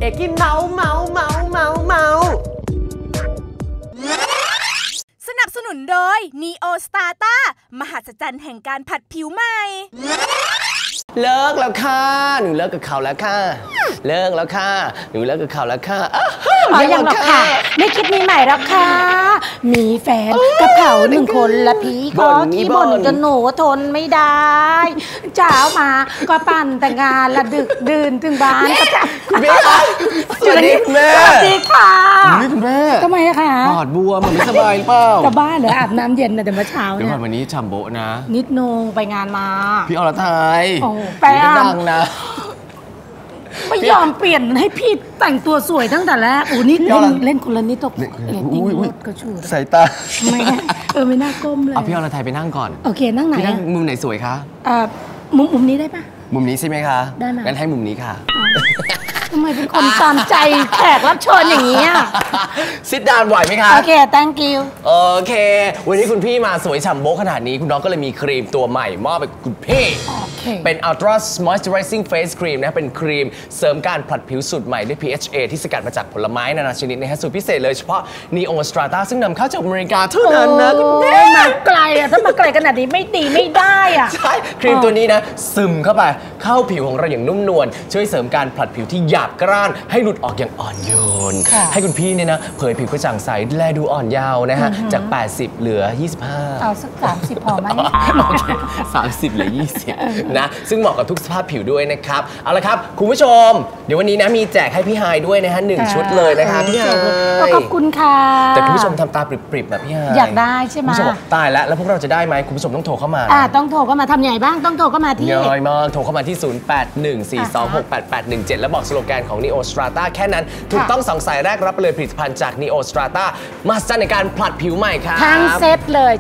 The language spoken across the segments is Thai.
อกกี้เมาสนับสนุนโดย Neo Strata มหัศจรรย์แห่งการผัดผิวใหม่เลิกแล้วค่ะหนูเลิกกับเขาแล้วค่ะเลิกแล้วค่ะหนูเลิกกับเขาแล้วค่ะยังหรอกค่ะไม่คิดมีใหม่แล้วค่ะมีแฟนกับเขา1 คนและพี่ก็ขี้บ่นจนหนูทนไม่ได้เช้ามาก็ปั่นแต่งานละดึกดื่นถึงบ้านก็จะสวัสดีแม่สวัสดีค่ะคุณแม่ทำไมคะปอดบวมไม่สบายเปล่าจะบ้าเหรออาบน้ำเย็นนะแต่เมื่อเช้าเนี่ยวันนี้ฉ่ำโบนะนิดนงไปงานมาพี่อรไทยแปลดังนะไม่ยอมเปลี่ยนให้พี่แต่งตัวสวยตั้งแต่แรกนี่เล่นคนละนิดตกเรตติ้งก็ชูสายตาไม่ไม่น่าก้มเลยเอาพี่อรไทยไปนั่งก่อนโอเคนั่งไหนพี่นั่งมุมไหนสวยคะมุมนี้ได้ปะมุมนี้ใช่ไหมคะได้ไหมงั้นให้มุมนี้ค่ะทำไมเป็นคนตามใจแขกรับเชิญอย่างนี้ซิดดาวไหวไหมคะโอเค thank you โอเควันนี้คุณพี่มาสวยฉ่ำโบ๊ะขนาดนี้คุณน้องก็เลยมีครีมตัวใหม่มอบไปคุณพี่เป็น Ultra Moisturizing Face Cream นะเป็นครีมเสริมการผลัดผิวสูตรใหม่ด้วย PHA ที่สกัดมาจากผลไม้นานาชนิดนะฮะสูตรพิเศษเลยเฉพาะ Neo Strata ซึ่งนำเข้าจากอเมริกาเท่านั้นนะคุณแม่มาไกลถ้ามาไกลขนาดนี้ไม่ดีไม่ได้ใช่ครีมตัวนี้นะซึมเข้าไปเข้าผิวของเราอย่างนุ่มนวลช่วยเสริมการผลัดผิวที่หยาบกร้านให้หลุดออกอย่างอ่อนโยนให้คุณพี่เนี่ยนะเผยผิวกระจ่างใสแลดูอ่อนเยาว์นะฮะจาก80เหลือ25 เอาสัก30พอไหม 30เหลือ20นะซึ่งเหมาะกับทุกสภาพผิวด้วยนะครับเอาละครับคุณผู้ชมเดี๋ยววันนี้นะมีแจกให้พี่ไฮด้วยนะฮะ1 ชุดเลยนะคะพี่ไฮขอบคุณค่ะแต่คุณผู้ชมทำตาปริบๆแบบพี่ไฮอยากได้ใช่ไหมคุณผู้ชมตายแล้วพวกเราจะได้ไหมคุณผู้ชมต้องโทรเข้ามาต้องโทรเข้ามาทำยังไงบ้างต้องโทรเข้ามาที่น้อยมากโทรเข้ามาที่0814268817แล้วบอกสโลแกนของ Neo Strata แค่นั้นถูกต้อง2 สายแรกรับไปเลยผลิตภัณฑ์จาก Neo Strata มาสเตอร์ในการผลัดผิวใหม่ครับทั้งเซตเลย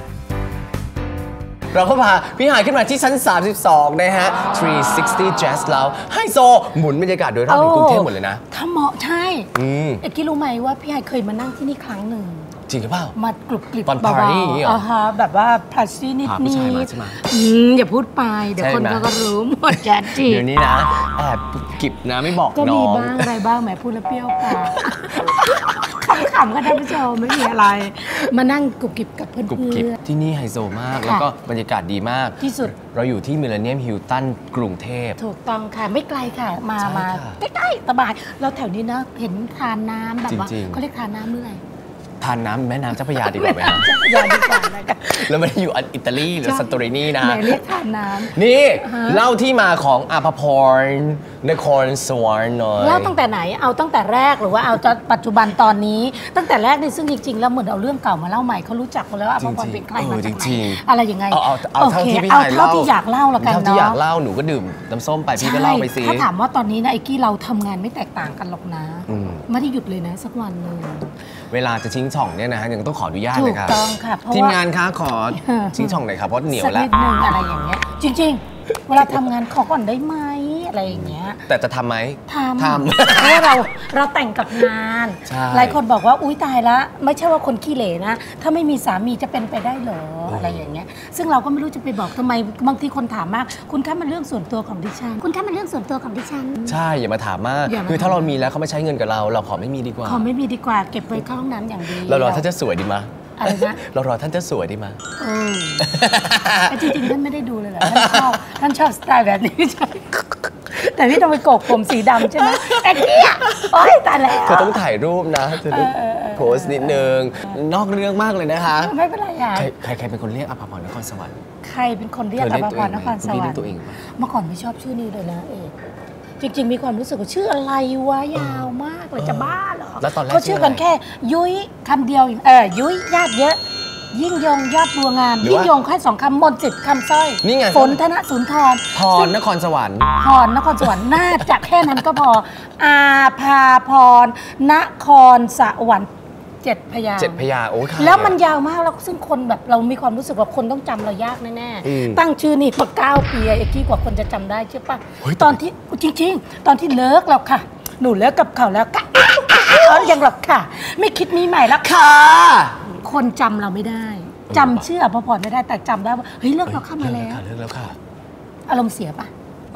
เราก็พาพี่หายขึ้นมาที่ชั้น32นะฮะ360 Jazz แล้วไฮโซหมุนบรรยากาศโดยรอบในกรุงเทพหมดเลยนะถ้าเหมาะใช่เอ็กกี้รู้ไหมว่าพี่หายเคยมานั่งที่นี่ครั้งหนึ่งจริงหรือเปล่ามากรุบกริบตอนปาร์ตี้เหรอแบบว่าพลัสซี่นิดนี้อย่าพูดไปเดี๋ยวคนเขาก็รู้หมดแจ๊ดจีเดี๋ยวนี้นะแอบกิบนะไม่บอกน้องก็มีบ้างอะไรบ้างแหมพูดแล้วเปรี้ยวปากขำๆก็ท่านผู้ชมไม่มีอะไรมานั่งกรุบกริบกับเพื่อนที่นี่ไฮโซมากแล้วก็บรรยากาศดีมากที่สุดเราอยู่ที่มิลเลนเนียมฮิลตันกรุงเทพถูกต้องค่ะไม่ไกลค่ะมาใกล้ๆสบายเราแถวนี้นะเห็นทานน้ำแบบว่าเขาเรียกทานน้ำเมื่อไหร่ทานน้ำแม่น้ำเจ้าพระยาดีกว่าไหมครับแล้วไม่ได้อยู่อิตาลีหรือซันโตรินีนะเรียกทานน้ำนี่เล่าที่มาของอภพรนครสวรรค์หน่อยเล่าตั้งแต่ไหนเอาตั้งแต่แรกหรือว่าเอาปัจจุบันตอนนี้ตั้งแต่แรกนี่ซึ่งจริงๆแล้วเหมือนเอาเรื่องเก่ามาเล่าใหม่เขารู้จักกันแล้วอภพรเป็นใครมาจากไหนอะไรยังไงเอาเท่าที่พี่เท่าที่อยากเล่าละกันเนาะเท่าที่อยากเล่าหนูก็ดื่มน้ำส้มไปพี่ก็เล่าไปสิถ้าถามว่าตอนนี้นะไอ้กี้เราทำงานไม่แตกต่างกันหรอกนะไม่ได้หยุดเลยนะสักวันนึงเวลาจะชิงช่องเนี่ยนะฮะยังต้องขออนุญาตเลยครับถูกต้องค่ะทีมงานคะขอชิงช่องหน่อยครับเพราะเหนียวแล้วสักนิดนึงอะไรอย่างเงี้ยจริงๆเวลาทำงานขอก่อนได้ไหมอะไรอย่างเงี้ยแต่จะทำไหมทำเพราะว่าเราแต่งกับงานหลายคนบอกว่าอุ้ยตายละไม่ใช่ว่าคนขี้เหร่นะถ้าไม่มีสามีจะเป็นไปได้เหรออะไรอย่างเงี้ยซึ่งเราก็ไม่รู้จะไปบอกทำไมบางทีคนถามมากคุณคะมันเรื่องส่วนตัวของดิฉันคุณคะมันเรื่องส่วนตัวของดิฉันใช่อย่ามาถามมากคือถ้าเรามีแล้วเขาไม่ใช้เงินกับเราขอไม่มีดีกว่าขอไม่มีดีกว่าเก็บไว้เข้าห้องน้ำอย่างดีเรารอท่านจะสวยดีมั้ยอะไรนะเรารอท่านจะสวยดีมั้ยจริงๆท่านไม่ได้ดูเลยเหรอท่านชอบสไตล์แบบนี้ใช่แต่พี่ต้องไปโกกผมสีดำใช่ไหมแอ๊กกี้โอ๊ยตายแล้วเธอต้องถ่ายรูปนะเธอต้องโพสต์นิดนึงนอกเรื่องมากเลยนะคะไม่เป็นไรค่ะใครเป็นคนเรียกอภพรนครสวรรค์ใครเป็นคนเรียกอภพรนครสวรรค์เมื่อก่อนไม่ชอบชื่อนี้เลยนะเอกจริงๆมีความรู้สึกว่าชื่ออะไรวะยาวมากเลยจะบ้าเหรอเขาชื่อกันแค่ยุ้ยคำเดียวยุ้ยญาติเยอะยิ่งยงยอดบัวงามยิ่งยงแค่2 คำมนต์จิตคำสร้อยฝนธนสุนทรพรนครสวรรค์พรนครสวรรค์น่าจะแค่นั้นก็พออาภาพรนครสวรรค์7 พยางค์โอ้ค่ะแล้วมันยาวมากแล้วซึ่งคนแบบเรามีความรู้สึกว่าคนต้องจำเรายากแน่ๆตั้งชื่อนี่มา9 ปีเอ็กกี้กว่าคนจะจำได้ใช่ปะตอนที่จริงๆตอนที่เลิกแล้วค่ะหนูเลิกกับเขาแล้วกะยังหรอกค่ะไม่คิดมีใหม่แล้วค่ะคนจำเราไม่ได้จำชื่ออภพรไม่ได้แต่จำได้ว่าเฮ้ยเลิกแล้วค่ะมาแล้วเลิกแล้วค่ะอารมณ์เสียปะ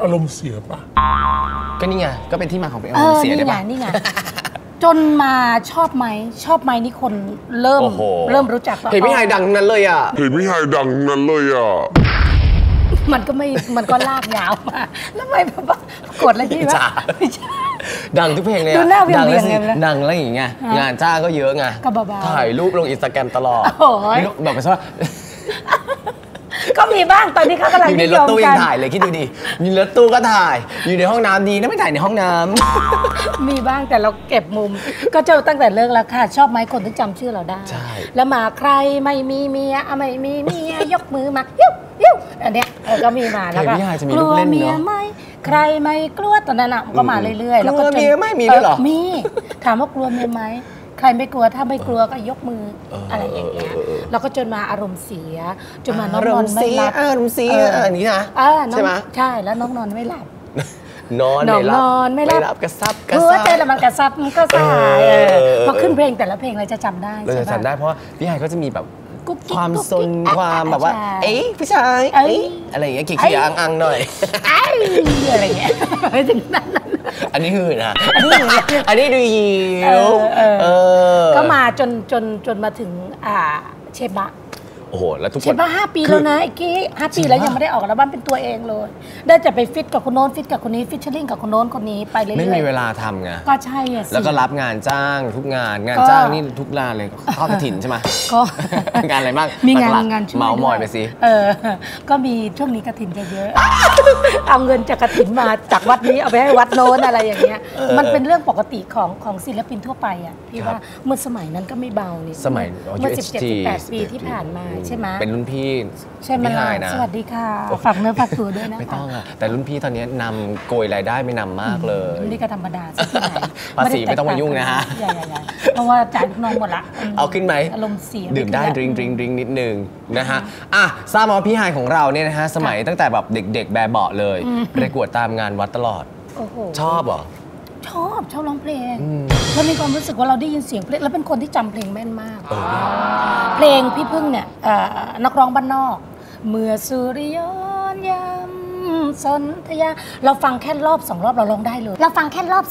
อารมณ์เสียปะก็นี่ไงก็เป็นที่มาของเป็นอารมณ์เสียได้ปะนี่ไงจนมาชอบไหมนี่คนเริ่มรู้จักเพลงพี่ไฮดังนั้นเลยอ่ะมันก็ลากยาวมาแล้วไม่แบบว่ากดอะไรที่ว่าดังทุกเพลงเลยดังแล้วอย่างเงี้ยงานจ้าก็เยอะไงถ่ายรูปลงอินสตาแกรมตลอดแบบว่าก็มีบ้างตอนนี้เขากำลังอยู่ในรถตู้ยังถ่ายเลยคิดดูดิมีรถตู้ก็ถ่ายอยู่ในห้องน้ำดีนะไม่ถ่ายในห้องน้ำมีบ้างแต่เราเก็บมุมก็เจอตั้งแต่เลิกแล้วค่ะชอบไหมคนที่จำชื่อเราได้แล้วมาใครไม่มีเมียยกมือมายิ้วอันเนี้ยก็มีมาแล้วก็กลัวเมียไหมใครไม่กลัวตอนนั้นก็มาเรื่อยๆแล้วก็เมียไม่มีด้วยหรอมีถามว่ากลัวเมียไหมใครไม่กลัวถ้าไม่กลัวก็ยกมืออะไรอย่างเงี้ยแล้วก็จนมาอารมณ์เสียจนมาน้องนอนไม่หลับอารมณ์เสียอันนี้นะใช่ไหมใช่แล้วน้องนอนไม่หลับนอนไม่หลับกระซับเจอแล้วมันกระซับมันก็สายพอขึ้นเพลงแต่ละเพลงเราจะจำได้เราจะจำได้เพราะพี่ไฮก็จะมีแบบความซนความแบบว่าเอ๊ะผู้ชายอะไรอย่างเงี้ยขี้ๆอังๆหน่อยอะไรเงี้ยไม่ถึงนั้นอันนี้คือนะอันนี้ดูยิวก็มาจนมาถึงเชฟบะโอ้โหแล้วทุกคนเชฟบะ5 ปีแล้วนะไอ้กี้5 ปีแล้วยังไม่ได้ออกอัลบั้มเป็นตัวเองเลยได้จะไปฟิตกับคนโน้นฟิตกับคนนี้ฟิชเชอร์ลิงกับคนโน้นคนนี้ไปเรื่อยๆไม่มีเวลาทำไงก็ใช่อ่ะแล้วก็รับงานจ้างทุกงานจ้างนี่ทุกงานเลยทอดกฐินใช่ไหมก็งานอะไรบ้างมีงานเมาส์มอยไปสิก็มีช่วงนี้กฐินจะเยอะเอาเงินจากกฐินมาจากวัดนี้เอาไปให้วัดโน้นอะไรอย่างเงี้ยมันเป็นเรื่องปกติของศิลปินทั่วไปอ่ะพี่ว่าเมื่อสมัยนั้นก็ไม่เบานี่สมัยเมื่อ17-18 ปีที่ผ่านมาใช่ไหมเป็นรุ่นพี่ใช่ไหมสวัสดีค่ะฝากเนื้อฝากตัวด้วยนะคะไม่ต้องอ่ะแต่รุ่นพี่ตอนนี้นำโกยรายได้ไม่นำมากเลยนี่ก็ธรรมดาสักหน่อยภาษีไม่ต้องมายุ่งนะฮะเพราะว่าจ่ายลูกน้องหมดละเอาขึ้นไหมอารมณ์เสียดื่มได้ดริงนิดนึงนะฮะทราบมาพี่ไฮของเราเนี่ยนะฮะสมัยตั้งแต่แบบเด็กๆแบบเบาะเลยประกวดตามงานวัดตลอดชอบเหรอชอบร้องเพลงแล้วมีความรู้สึกว่าเราได้ยินเสียงเพลงแล้วเป็นคนที่จำเพลงแม่นมากเพลงพี่พึ่งเนี่ยนักร้องบ้านนอกเมื่อสุริยนต์ยำสนธยาเราฟังแค่รอบ2 รอบเราร้องได้เลยแล้ว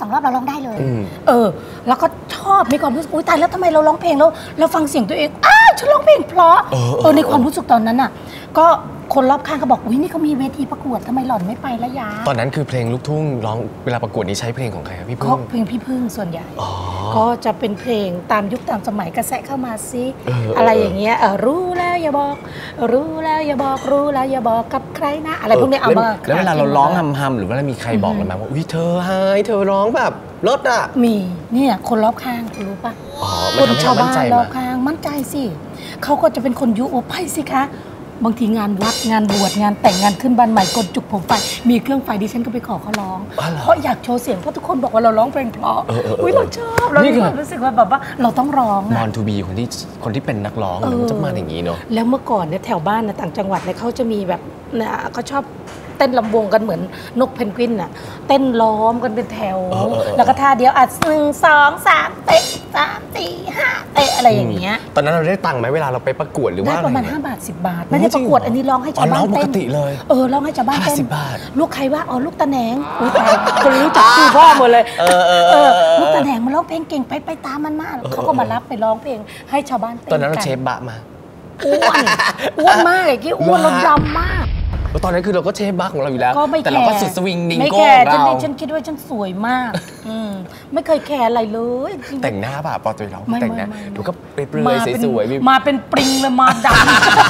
ก็ชอบมีความรู้สึกอุ้ยตายแล้วทำไมเราร้องเพลงแล้วเราฟังเสียงตัวเองฉันร้องเพลงเพราะในความรู้สึกตอนนั้นอ่ะก็คนรอบข้างก็บอกอุ้ยนี่เขามีเวทีประกวดทำไมหล่อนไม่ไปละยาตอนนั้นคือเพลงลูกทุ่งร้องเวลาประกวดนี้ใช้เพลงของใครครับพี่พึ่งเพลงพี่พึ่งส่วนใหญ่ก็จะเป็นเพลงตามยุคตามสมัยกระแสเข้ามาซิอะไรอย่างเงี้ยรู้แล้วอย่าบอกรู้แล้วอย่าบอกรู้แล้วอย่าบอกกับใครนะอะไรพวกนี้เอามาแล้วเวลาเราร้องฮัมหรือว่ามีใครบอกเราไหมว่าอุ้ยเธอไฮเธอร้องแบบรถอ่ะมีเนี่ยคนรอบข้างรู้ปะคนชาวบ้านรอบข้างมั่นใจสิเขาก็จะเป็นคนยุไปสิคะบางทีงานวัดงานบวชงานแต่งงานขึ้นบ้านใหม่กดจุกผมไฟมีเครื่องไฟดิฉันก็ไปขอเขาร้องเพราะอยากโชว์เสียงเพราะทุกคนบอกว่าเราร้องเพลงเพราะอุ้ยเราชอบเรารู้สึกว่าแบบว่าเราต้องร้องมอนทูบีคนที่เป็นนักร้องมันจะมาอย่างนี้เนาะแล้วเมื่อก่อนเนี่ยแถวบ้านนะต่างจังหวัดเนี่ยเขาจะมีแบบเขาชอบเต้นลำวงกันเหมือนนกเพนกวินน่ะเต้นล้อมกันเป็นแถวแล้วก็ท่าเดียว1 2 3เตะ3 4 5เตะอะไรอย่างเงี้ยตอนนั้นเราได้ตังค์ไหมเวลาเราไปประกวดหรือว่าได้ประมาณ5 บาท 10 บาทไม่ได้ประกวดอันนี้ร้องให้ชาวบ้านเต้นปกติเลยร้องให้ชาวบ้านเต้น 50 บาทลูกใครว่าลูกตาแหนงคนรู้จักชื่อพ่อหมดเลยลูกตาแหนงมันร้องเพลงเก่งไปตามมันมากเขาก็มารับไปร้องเพลงให้ชาวบ้านเต้นตอนนั้นเราเชฟบะมาอ้วนมากไอ้กี้อ้วนเราดำมากตอนนั้นคือเราก็เชฟบักของเราอยู่แล้วแต่เราก็สุดสวิงดิงโก้เราฉันคิดว่าฉันสวยมากไม่เคยแคร์อะไรเลยแต่งหน้าป่ะปอตัวเราแต่งหน้าดูก็เปลือยสวยๆมาเป็นปริงเลยมาดำ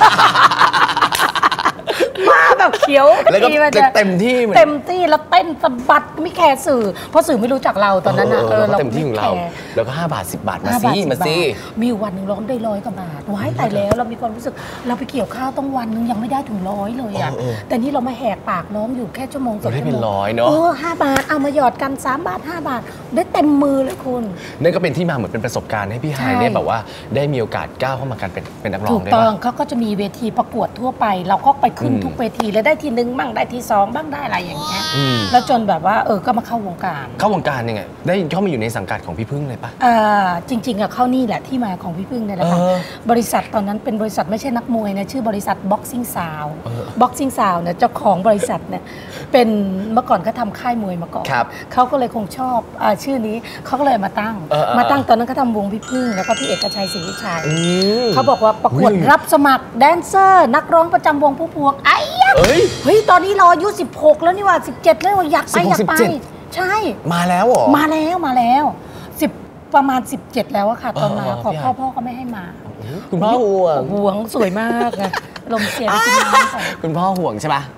มาแบบเขียวแล้วก็เต็มที่แล้วเต้นสะบัดไม่แคร์สื่อเพราะสื่อไม่รู้จักเราตอนนั้นนะเราเต็มที่ของเราแล้วก็5 บาท 10 บาทมาซิมีวันหนึ่งร้องได้100 กว่าบาทว้ายตายแล้วเรามีความรู้สึกเราไปเกี่ยวข้าวต้องวันนึงยังไม่ได้ถึง100เลยอ่ะแต่นี่เรามาแหกปากร้องอยู่แค่ชั่วโมง2 ชั่วโมงได้เป็น100เนาะ 5 บาทเอามาหยอดกัน3 บาท 5 บาทได้เต็มมือเลยคุณนั่นก็เป็นที่มาเหมือนเป็นประสบการณ์ให้พี่ไฮเนี่ยแบบว่าได้มีโอกาสก้าวเข้ามาการเป็นนักร้องได้ถูกต้องเขาก็จะมีเวทีประกวดทั่วไปเราก็ไปขึ้นทุกเวทีเลยได้ทีหนึ่งบ้างได้ทีสองบ้างได้อะไรอย่างเงี้ยแล้วจนแบบว่าก็มาเข้าวงการยังไงได้เข้ามาอยู่ในสังกัดของพี่พึ่งเลยปะจริงๆเข้านี่แหละที่มาของพี่พึ่งเนี่ยแหละค่ะบริษัทตอนนั้นเป็นบริษัทไม่ใช่นักมวยนะชื่อบริษัท Boxing Sound Boxing Sound เนี่ยเจ้าของบริษัทเนี่ยเป็นเมื่อก่อนเขาทำค่ายมวยมาก่อนเขาก็เลยคงชอบชื่อนี้เขาก็เลยมาตั้งตอนนั้นเขาทำวงพี่พึ่งแล้วก็พี่เอกชัยศรีวิชัยเขาบอกว่าประกวดรับสมัครแดนเซอร์นักร้องประจำวงผู้พวงเฮ้ยตอนนี้เราอายุ16แล้วนี่ว่า17แล้วอยากไปใช่มาแล้วเหรอมาแล้วประมาณ17แล้วอะค่ะตอนมาขอพ่อก็ไม่ให้มาคุณพ่อห่วงสวยมากนะลมเสียงกินน้ำใส่คุณพ่อห่วงใช่ปะ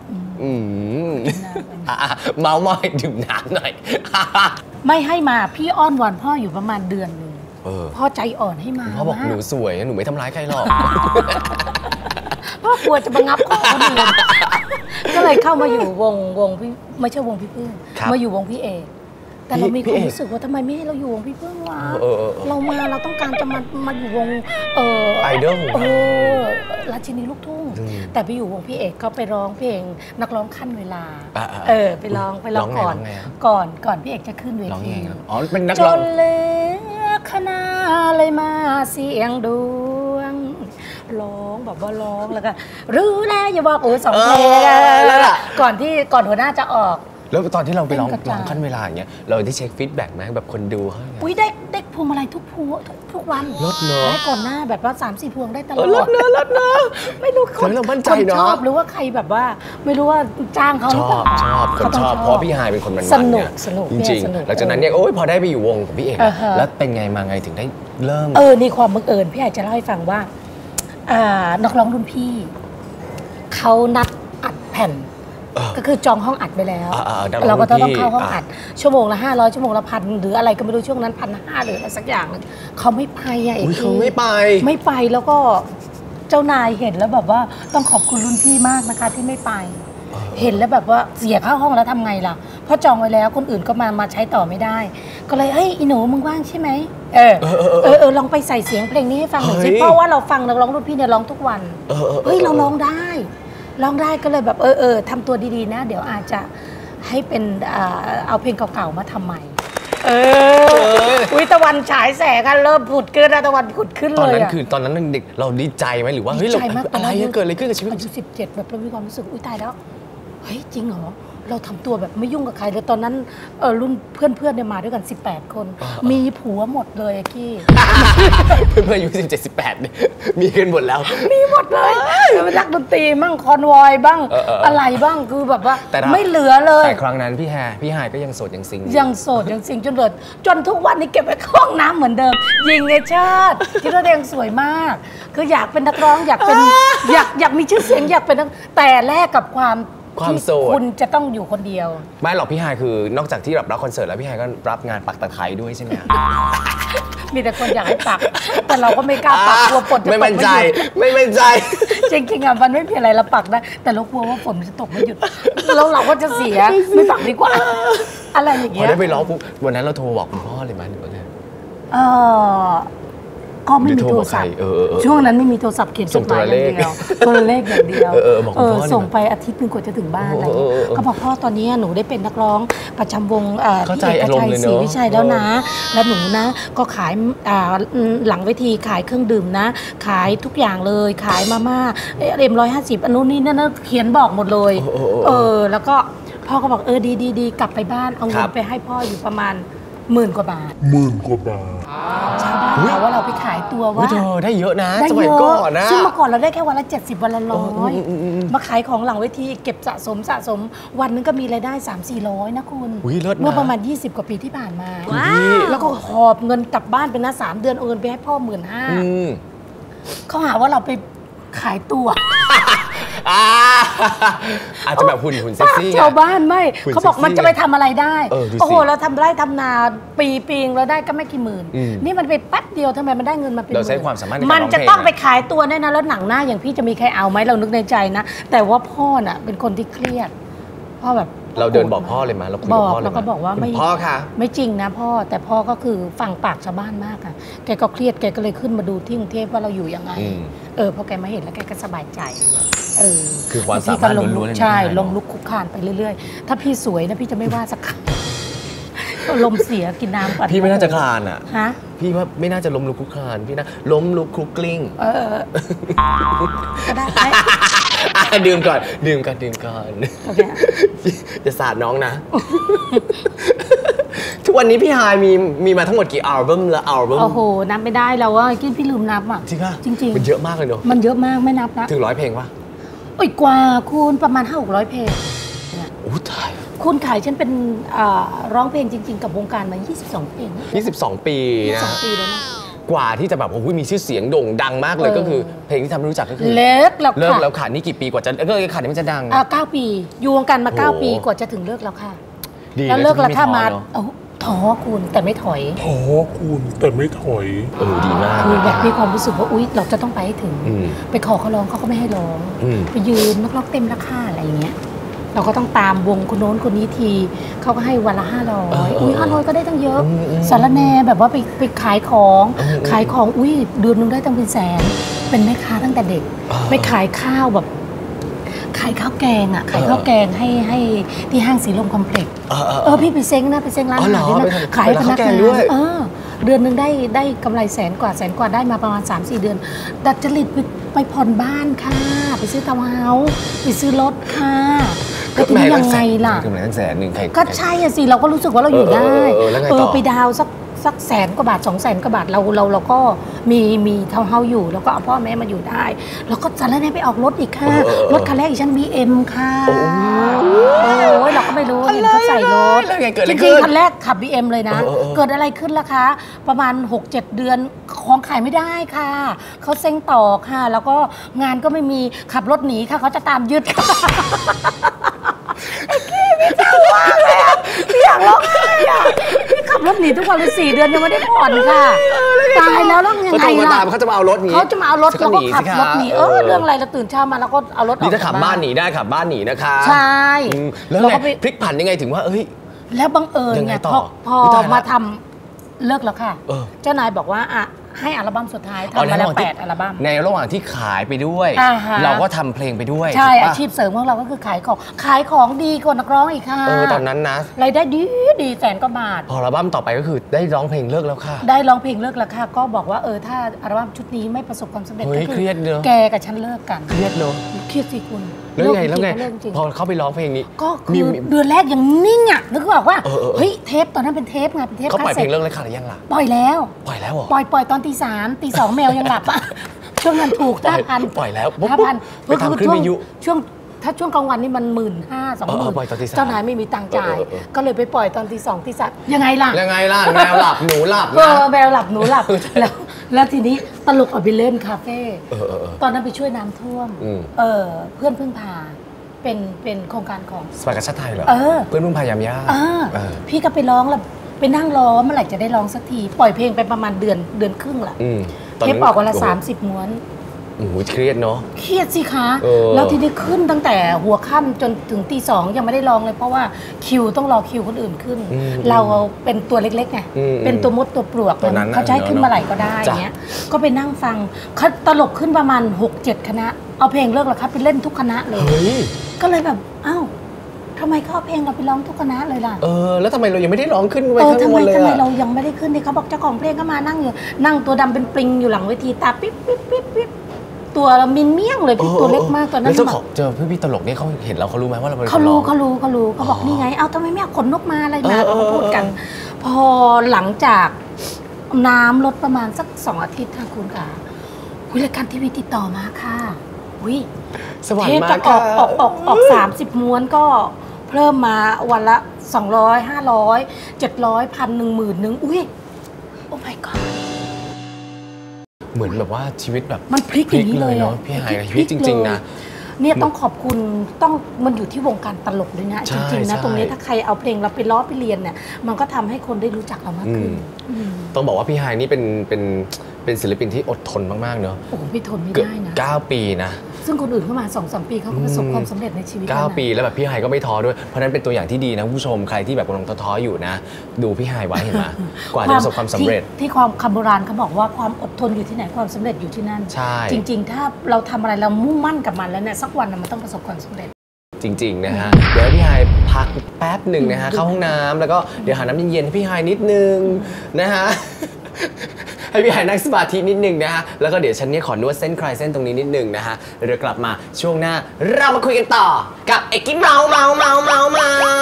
เมาหน่อยดื่มน้ำหน่อยไม่ให้มาพี่อ้อนวอนพ่ออยู่ประมาณเดือนนึงพ่อใจอ่อนให้มาพ่อบอกหนูสวยหนูไม่ทำร้ายใครหรอกพ่อกลัวจะมางับข้อคนอื่นก็เลยเข้ามาอยู่วงพี่ไม่ใช่วงพี่พึ่งมาอยู่วงพี่เอกแต่เรามีความรู้สึกว่าทำไมไม่ให้เราอยู่วงพี่พึ่งวะเราต้องการจะมาอยู่วงไอดอลราชินีลูกทุ่งแต่ไปอยู่วงพี่เอกก็ไปร้องเพลงนักร้องขั้นเวลาไปร้องก่อนพี่เอกจะขึ้นเวทีอ๋อเป็นนักร้องจนเลือคณะเลยมาเสียงดวงร้องแบบว่าร้องแล้วก็รู้แล้วอย่าบอก2 เพลงก่อนหัวหน้าจะออกแล้วตอนที่เราไปร้องขั้นเวลาอย่างเงี้ยเราได้เช็คฟีดแบ็กไหมแบบคนดูเขาได้พวงมาลัยทุกวันลดเนอะได้ก่อนหน้าแบบว่า3-4 พวงได้ตลอดลดเนอะไม่รู้คนชอบหรือว่าใครแบบว่าไม่รู้ว่าจ้างเขาชอบเพราะพี่ฮายเป็นคนมันสนุกจริงๆหลังจากนั้นเนี่ยพอได้ไปอยู่วงกับพี่เอกแล้วเป็นไงมาไงถึงได้เริ่มนี่ความบังเอิญพี่อาจจะเล่าให้ฟังว่านักร้องรุ่นพี่เขานัดอัดแผ่นก็คือจองห้องอัดไปแล้วเราก็ต้องเข้าห้องอัดชั่วโมงละ500ชั่วโมงละ1,000หรืออะไรก็ไม่รู้ช่วงนั้น1,500หรืออะไรสักอย่างนึงเขาไม่ไปเขาไม่ไปแล้วก็เจ้านายเห็นแล้วแบบว่าต้องขอบคุณรุ่นพี่มากนะคะที่ไม่ไปเห็นแล้วแบบว่าเสียค่าห้องแล้วทำไงล่ะเพราะจองไว้แล้วคนอื่นก็มาใช้ต่อไม่ได้ก็เลยอีหนูมึงว่างใช่ไหมลองไปใส่เสียงเพลงนี้ให้ฟังหน่อยสิเพราะว่าเราฟังนักร้องรุ่นพี่เนี่ยร้องทุกวันเราร้องได้ก็เลยแบบทำตัวดีๆนะเดี๋ยวอาจจะให้เป็นเอาเพลงเก่าๆมาทำใหม่ตะวันฉายแสงกันเริ่มผุดขึ้นตะวันผุดขึ้นเลยตอนนั้นเด็กเราดีใจไหมหรือว่าเฮ้ยอะไรเกิดอะไรขึ้นกับชีวิตอายุ17แบบเรามีความรู้สึกตายแล้วเฮ้ยจริงเหรอเราทำตัวแบบไม่ยุ่งกับใครเลยตอนนั้นรุ่นเพื่อนเนี่ยมาด้วยกัน18 คนมีผัวหมดเลยกี้เพื่อนอายุ17-18เนี่ยมีกันหมดแล้วมีหมดเลยนักดนตรีบ้างคอนวอยบ้างอะไรบ้างคือแบบว่าไม่เหลือเลยแต่ครั้งนั้นพี่ฮายก็ยังโสดยังซิงจนทุกวันนี้เก็บไว้ห้องน้ำเหมือนเดิมยิงไงชาติที่เราเองสวยมากคืออยากเป็นนักร้องอยากมีชื่อเสียงอยากเป็นแต่แลกกับความโสดคุณจะต้องอยู่คนเดียวไม่หรอกพี่ฮายคือนอกจากที่รับคอนเสิร์ตแล้วพี่ฮายก็รับงานปักตะไคร้ด้วยใช่ไหมมีแต่คนอยากให้ปักแต่เราก็ไม่กล้าปักกลัวฝนจะตกไม่มั่นใจจริงๆมันไม่มีอะไรเราปักได้แต่เรากลัวว่าฝนจะตกไม่หยุดแล้วเราก็จะเสียไม่ปักดีกว่าอะไรอย่างเงี้ยพอได้ไปร้องปุ๊บวันนั้นเราโทรบอกคุณพ่อเลยไหมหรือว่าไงก็ไม่มีโทรศัพท์ช่วงนั้นไม่มีโทรศัพท์เขียนจดหมายอย่างเดียวตัวเลขอย่างเดียวส่งไปอาทิตย์นึงกว่าจะถึงบ้านอะไรก็บอกพ่อตอนนี้หนูได้เป็นนักร้องประจำวงพี่เอกชัยศรีวิชัยแล้วนะแล้วหนูนะก็ขายหลังเวทีขายเครื่องดื่มนะขายทุกอย่างเลยขายมาม่า150อันนู้นนี่นั่นเขียนบอกหมดเลยแล้วก็พ่อก็บอกดีกลับไปบ้านเอาเงินไปให้พ่ออยู่ประมาณ10,000 กว่าบาทชาวบ้านเราว่าเราไปขายตัวว่าได้เยอะนะสมัยก่อนนะซึ่งเมื่อก่อนเราได้แค่วันละ70วันละ100มาขายของหลังเวทีเก็บสะสมวันนึงก็มีรายได้ 300-400นะคุณเมื่อประมาณ20 กว่าปีที่ผ่านมาแล้วก็หอบเงินกลับบ้านไปนะ3 เดือนโอนไปให้พ่อ15,000เขาหาว่าเราไปขายตัวอาจจะแบบหุ่นเซ็กซี่ชาวบ้านไม่เขาบอกมันจะไปทำอะไรได้โอ้โหเราทำไร่ทำนาปีงเราได้ก็ไม่กี่หมื่นนี่มันไปแป๊บเดียวทำไมมันได้เงินมาเป็นเราใช้ความสามารถในการร้องเพลงมันจะต้องไปขายตัวแน่นะแล้วหนังหน้าอย่างพี่จะมีใครเอาไหมเรานึกในใจนะแต่ว่าพ่อน่ะเป็นคนที่เครียดพ่อแบบเราเดินบอกพ่อเลยมั้ยเราคุยกับพ่อเลยมั้ยเราก็บอกว่าไม่พ่อค่ะไม่จริงนะพ่อแต่พ่อก็คือฟังปากชาวบ้านมากค่ะแกก็เครียดแกก็เลยขึ้นมาดูที่กรุงเทพว่าเราอยู่ยังไงพอแกมาเห็นแล้วแกก็สบายใจคือความสามารถล้วนๆใช่ลงลุกคุกคานไปเรื่อยๆถ้าพี่สวยนะพี่จะไม่ว่าสักคำลมเสียกินน้ำก่อนพี่ไม่น่าจะคลานอ่ะฮะพี่ว่าไม่น่าจะล้มลุกคลุกคลานพี่นะล้มลุกคลุกกลิ้งก็ได้ดื่มก่อนจะสาดน้องนะทุกวันนี้พี่ฮายมีมาทั้งหมดกี่อัลบั้มละอัลบั้มโอ้โหนับไม่ได้แล้วว่ากินพี่ลืมนับอ่ะจริงป่ะจริงมันเยอะมากเลยเนอะมันเยอะมากไม่นับนะถึง100 เพลงป่ะอีกกว่าคุณประมาณ500-600 เพลงโอ้ตายคุณขายฉันเป็นร้องเพลงจริงๆกับวงการมา22 เพลง 22 ปีนะ 22 ปีแล้วนะกว่าที่จะแบบโอ้โหมีชื่อเสียงโด่งดังมากเลยก็คือเพลงที่ทำให้รู้จักก็คือเลิกแล้วค่ะนี่กี่ปีกว่าจะขาดนี่มันจะดัง 9 ปีอยู่วงการมา9 ปีกว่าจะถึงเลิกแล้วค่ะแล้วเลิกแล้วถ้ามาท้อคุณแต่ไม่ถอยดีมากคือแบบมีความรู้สึกว่าอุ๊ยเราจะต้องไปให้ถึงไปขอเขาร้องเขาก็ไม่ให้ร้องไปยืนนักร้องเต็มราคาอะไรอย่างเงี้ยเราก็ต้องตามวงคนโน้นคนนี้ทีเขาก็ให้วันละ500อุ้ย500ก็ได้ตั้งเยอะสารแนแบบว่าไปขายของอุ้ยเดือนนึงได้ตั้งเป็นแสนเป็นแม่ค้าตั้งแต่เด็กไปขายข้าวแบบขายข้าวแกงขายข้าวแกงให้ที่ห้างสีลมคอมเพล็กซ์พี่ไปเซ้งร้านอาหารนี่นะขายพนักงานเดือนนึงได้กำไรแสนกว่าได้มาประมาณ 3-4 เดือนดัดจริตไปผ่อนบ้านค่ะไปซื้อทาวน์เฮาส์ไปซื้อรถค่ะก็ถึงยังไงล่ะกำไรตั้ง100,000 ก็ใช่สิเราก็รู้สึกว่าเราอยู่ได้ไปดาวสัก100,000 กว่าบาท 200,000 กว่าบาทเราก็มีทาวน์เฮาส์อยู่แล้วก็เอาพ่อแม่มาอยู่ได้แล้วก็จะแล้วไปออกรถอีกค่ะรถคันแรกอีกฉัน BM ค่ะโอ้ยเราก็ไม่รู้เห็นเขาใส่รถจริงๆคันแรกขับ BM เลยนะเกิดอะไรขึ้นล่ะคะประมาณ 6-7 เดือนของขายไม่ได้ค่ะเขาเซ็งต่อค่ะแล้วก็งานก็ไม่มีขับรถหนีค่ะเขาจะตามยึดพี่เจ้ามากเลยพี่อยากร้องไห้พี่ขับรถหนีทุกวันเลย4 เดือนยังไม่ได้ผ่อนค่ะตายแล้วยังไงล่ะเขาจะมาเอารถนี้เขาจะมาเอารถแล้วก็ขับรถหนีเรื่องอะไรเราตื่นเช้ามาแล้วก็เอารถออกนี่ถ้าขับบ้านหนีได้ขับบ้านหนีนะคะใช่แล้วไงพลิกผันยังไงถึงว่าแล้วบังเอิญไงพอมาทำเลิกแล้วค่ะเจ้านายบอกว่าให้อัลบั้มสุดท้ายทำมาแล้ว8 อัลบั้มในระหว่างที่ขายไปด้วยเราก็ทำเพลงไปด้วยใช่อาชีพเสริมของเราก็คือขายของดีกว่านักร้องอีกค่ะตอนนั้นนะรายได้ดี100,000 กว่าบาทพออัลบั้มต่อไปก็คือได้ร้องเพลงเลิกแล้วค่ะได้ร้องเพลงเลิกแล้วค่ะก็บอกว่าถ้าอัลบั้มชุดนี้ไม่ประสบความสำเร็จก็คือแกกับฉันเลิกกันเครียดเนอะเครียดสิคุณแล้วไงพอเข้าไปร้องเพลงนี้ก็คือเดือนแรกยังนิ่งนึกบอกว่าเฮ้ยเทปตอนนั้นเป็นเทปไงเป็นเทปเขาปล่อยเพลงเลิกเลยค่ะหรือยังล่ะปล่อยแล้วเหรอปล่อยตอนตี 3 ตี 2แมวยังหลับช่วงนั้นถูก 5,000ปล่อยแล้ว 5,000 ไปทำขึ้นวิทยุถ้าช่วงกลางวันนี่มัน15,000-20,000เจ้านายไม่มีตังค์จ่ายก็เลยไปปล่อยตอนตี 2 ตี 3ยังไงล่ะแมวหลับหนูหลับแมวหลับหนูหลับแล้วทีนี้ตลกเอาไปเล่นคาเฟ่ตอนนั้นไปช่วยน้ำท่วมเพื่อนพึ่งพาเป็นโครงการของสภากาชาติไทยเหรอเพื่อนพึ่งพายามย่าพี่ก็ไปร้องแล้วไปนั่งรอเมื่อไหร่จะได้ร้องสักทีปล่อยเพลงไปประมาณเดือนครึ่งละเทปออกวันละ30 ม้วนเครียดเนาะเครียดสิคะแล้วทีนี้ขึ้นตั้งแต่หัวค่ำจนถึงตี 2ยังไม่ได้ร้องเลยเพราะว่าต้องรอคิวคนอื่นขึ้นเราเป็นตัวเล็กๆไงเป็นตัวมดตัวปลวกเขาจะให้ขึ้นมาไหร่ก็ได้เงี้ยก็ไปนั่งฟังเขาตลกขึ้นประมาณ 6-7 คณะเอาเพลงเลิกแล้วครับไปเล่นทุกคณะเลยก็เลยแบบอ้าวทำไมเขาเอาเพลงเราไปร้องทุกคณะเลยล่ะแล้วทำไมเรายังไม่ได้ร้องขึ้นไปทำไมเรายังไม่ได้ขึ้นเนี่ยเขาบอกเจ้าของเพลงก็มานั่งอยู่นั่งตัวดำเป็นปลิงอยู่หลังเวทีตาปิ๊บตัวเรามินเมี่ยงเลยพี่ตัวเล็กมากตอนนั้นเจอพี่ตลกนี่เขาเห็นเราเขารู้ไหมว่าเราเป็นเขารู้เขาบอกนี่ไงเอาทำไมไม่เอาขนนกมาอะไรมาเขาพูดกันพอหลังจากน้ำลดประมาณสัก2 อาทิตย์ค่ะคุณค่ะรายการทีวีติดต่อมาค่ะสวรรค์มากค่ะออก30 ม้วนก็เพิ่มมาวันละ200 500 700 1,000 10,000อุ้ยโอ้ my god เหมือนแบบว่าชีวิตแบบมันพลิกอย่างนี้เลยเนาะพี่หายชีวิตจริงๆนะเนี่ยต้องขอบคุณมันอยู่ที่วงการตลกด้วยนะจริงๆนะตรงนี้ถ้าใครเอาเพลงเราไปล้อไปเรียนเนี่ยมันก็ทำให้คนได้รู้จักเรามากขึ้นต้องบอกว่าพี่หายนี่เป็นศิลปินที่อดทนมากๆเนอะโอ้พี่ทนไม่ได้นะ 9 ปีนะซึ่งคนอื่นเข้ามา 2-3 ปีเขาก็ประสบความสำเร็จในชีวิต 9 ปีแล้วแบบพี่ไฮก็ไม่ท้อด้วยเพราะนั้นเป็นตัวอย่างที่ดีนะผู้ชมใครที่แบบกำลังท้ออยู่นะดูพี่ไฮไว้เห็นไหมกว่าจะประสบความสำเร็จที่ความคำโบราณเขาบอกว่าความอดทนอยู่ที่ไหนความสำเร็จอยู่ที่นั่นจริงๆถ้าเราทำอะไรเรามุ่งมั่นกับมันแล้วเนี่ยสักวันมันต้องประสบความสำเร็จจริงๆนะฮะเดี๋ยวพี่ไฮพักแป๊บหนึ่งนะฮะเข้าห้องน้ำแล้วก็เดี๋ยวหาน้ำเย็นๆให้พี่ไฮนิดนึงนะฮะให้พี่ไฮนั่งสมาธินิดนึงนะฮะแล้วก็เดี๋ยวฉันเนี่ยขอนวดเส้นคลายเส้นตรงนี้นิดนึงนะฮะเดี๋ยวกลับมาช่วงหน้าเรามาคุยกันต่อกับเอกกี้เมา